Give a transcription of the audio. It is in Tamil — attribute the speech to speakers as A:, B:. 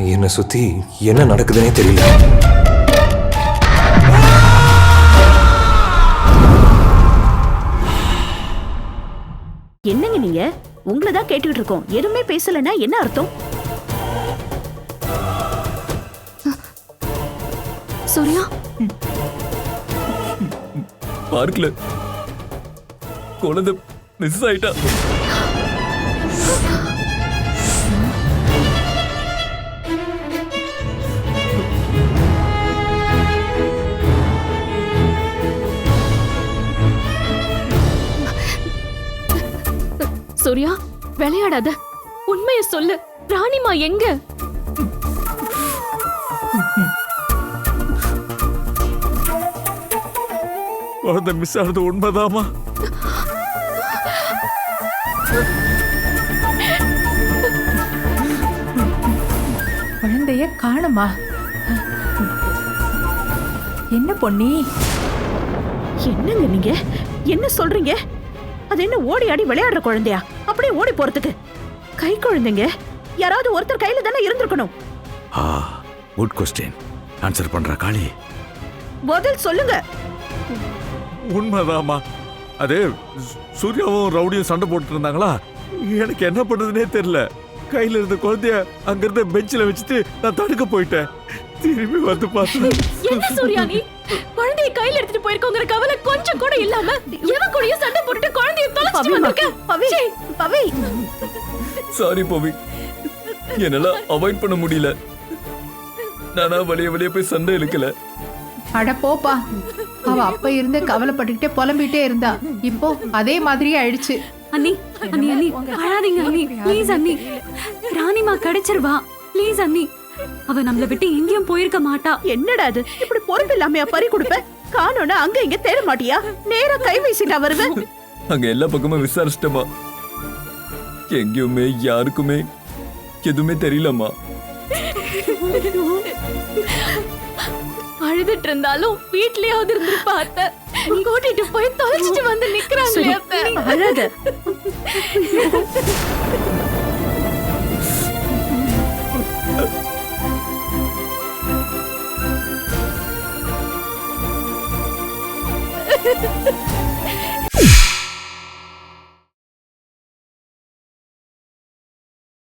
A: என்னை சுத்தி என்ன நடக்குதுன்னே தெரியல.
B: என்னங்க நீங்க? உங்களை தான் கேட்டுக்கிட்டு இருக்கோம். எதுவுமே பேசலன்னா என்ன அர்த்தம்?
C: சூர்யா,
D: பார்க்கல குழந்தை மிஸ் ஆயிட்டா.
C: சூர்யா விளையாடாத, உண்மையை சொல்லு. ராணிமா எங்க?
D: குழந்தை மிஸ் ஆனது உண்மைதாமா?
E: குழந்தைய காணுமா? என்ன பொன்னி?
B: என்னங்க நீங்க? என்ன சொல்றீங்க? அது என்ன ஓடி ஆடி விளையாடுற குழந்தையா? அப்படியே ஓடி போறதுக்கு கை குழந்தைங்க. யாராவது ஒருத்தர் கையில தானே இருந்திருக்கணும்.
F: Good question. ஆன்சர் பண்ற காளி.
B: பதில் சொல்லுங்க.
D: உண்மைதாமா. அது சூர்யாவும் ரவுடியும் சண்டை போட்டு இருந்தாங்களா, எனக்கு என்ன பண்றதுனே தெரியல. கையில இருந்த குழந்தைய அங்கிருந்த பெஞ்சில வச்சுட்டு நான் தடுக்க போயிட்டேன். திரும்பி வந்து பார்த்தேன்.
C: என்ன சூர்யா நீ? குழந்தைய கையில எடுத்துட்டு போயிருக்கோங்கிற கவலை கொஞ்சம் கூட இல்லாம எவன் கூடயே சண்டை போட்டுட்டு குழந்தைய தொலைச்சிட்டு வந்திருக்க.
B: பவி,
D: சாரி பவி, என்னால அவாய்ட் பண்ண முடியல. நானா வெளியே போய் சண்டை இழுக்கல.
E: அட போப்பா, அவ அப்ப இருந்து கவலைப்பட்டுக்கிட்டே புலம்பிட்டே இருந்தா. இப்போ அதே மாதிரியே ஆயிடுச்சு.
C: அண்ணி அண்ணி அண்ணி அழாதீங்க அண்ணி, ப்ளீஸ் அண்ணி. ராணிமா கிடைச்சிருவா, ப்ளீஸ் அண்ணி. அவ நம்மள விட்டு எங்கேயும் போயிருக்க மாட்டா.
B: என்னடா அது? இப்படி பொறுப்பு இல்லாமையா பறி கொடுப்ப? காணோனா அங்க இங்க தேட மாட்டியா? நேரா கை வீசிட்டா வருவேன்.
D: அங்க எல்லா பக்கமும் விசாரிச்சிட்டமா, எங்கேயுமே யாருக்குமே எதுவுமே தெரியலம்மா.
C: அழுதுட்டு இருந்தாலும் வீட்லயாவது இருந்து பார்த்த கூட்டிட்டு போய் தொலைச்சிட்டு வந்து நிக்கிறாங்களே அத்தை.
B: அழாத.